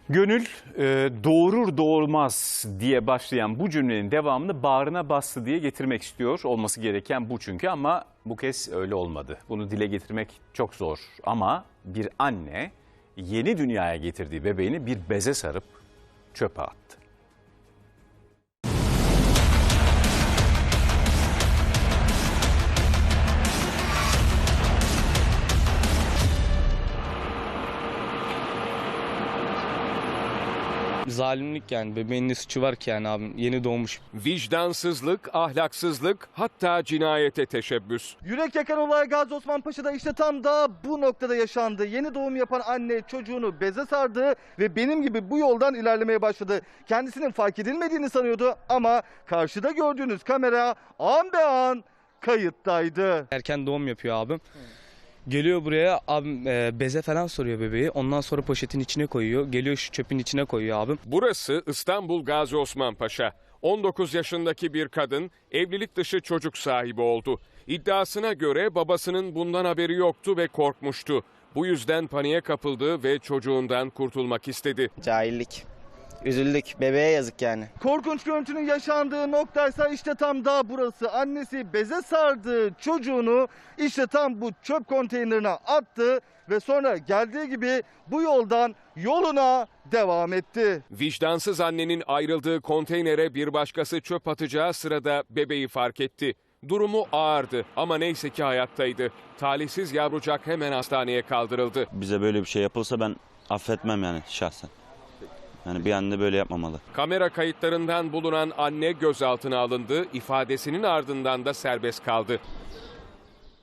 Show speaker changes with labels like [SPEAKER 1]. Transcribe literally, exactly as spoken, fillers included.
[SPEAKER 1] Gönül e, doğurur doğurmaz diye başlayan bu cümlenin devamını bağrına bastı diye getirmek istiyor. Olması gereken bu çünkü, ama bu kez öyle olmadı. Bunu dile getirmek çok zor, ama bir anne yeni dünyaya getirdiği bebeğini bir beze sarıp çöpe attı.
[SPEAKER 2] Zalimlik yani. Bebeğin ne suçu var ki yani abim? Yeni doğmuş.
[SPEAKER 3] Vicdansızlık, ahlaksızlık, hatta cinayete teşebbüs.
[SPEAKER 4] Yürek yakan olay Gazi Osman Paşa'da işte tam da bu noktada yaşandı. Yeni doğum yapan anne çocuğunu beze sardı ve benim gibi bu yoldan ilerlemeye başladı. Kendisinin fark edilmediğini sanıyordu ama karşıda gördüğünüz kamera an be an kayıttaydı.
[SPEAKER 2] Erken doğum yapıyor abim. Geliyor buraya abim e, beze falan soruyor bebeği. Ondan sonra poşetin içine koyuyor. Geliyor şu çöpün içine koyuyor abim.
[SPEAKER 3] Burası İstanbul Gazi Osman Paşa. on dokuz yaşındaki bir kadın evlilik dışı çocuk sahibi oldu. İddiasına göre babasının bundan haberi yoktu ve korkmuştu. Bu yüzden paniğe kapıldı ve çocuğundan kurtulmak istedi.
[SPEAKER 5] Cahillik. Üzüldük. Bebeğe yazık yani.
[SPEAKER 4] Korkunç görüntünün yaşandığı noktaysa işte tam da burası. Annesi beze sardığı çocuğunu işte tam bu çöp konteynerine attı ve sonra geldiği gibi bu yoldan yoluna devam etti.
[SPEAKER 3] Vicdansız annenin ayrıldığı konteynere bir başkası çöp atacağı sırada bebeği fark etti. Durumu ağırdı ama neyse ki hayattaydı. Talihsiz yavrucak hemen hastaneye kaldırıldı.
[SPEAKER 6] Bize böyle bir şey yapılsa ben affetmem yani şahsen. Yani bir anne böyle yapmamalı.
[SPEAKER 3] Kamera kayıtlarından bulunan anne gözaltına alındı, ifadesinin ardından da serbest kaldı.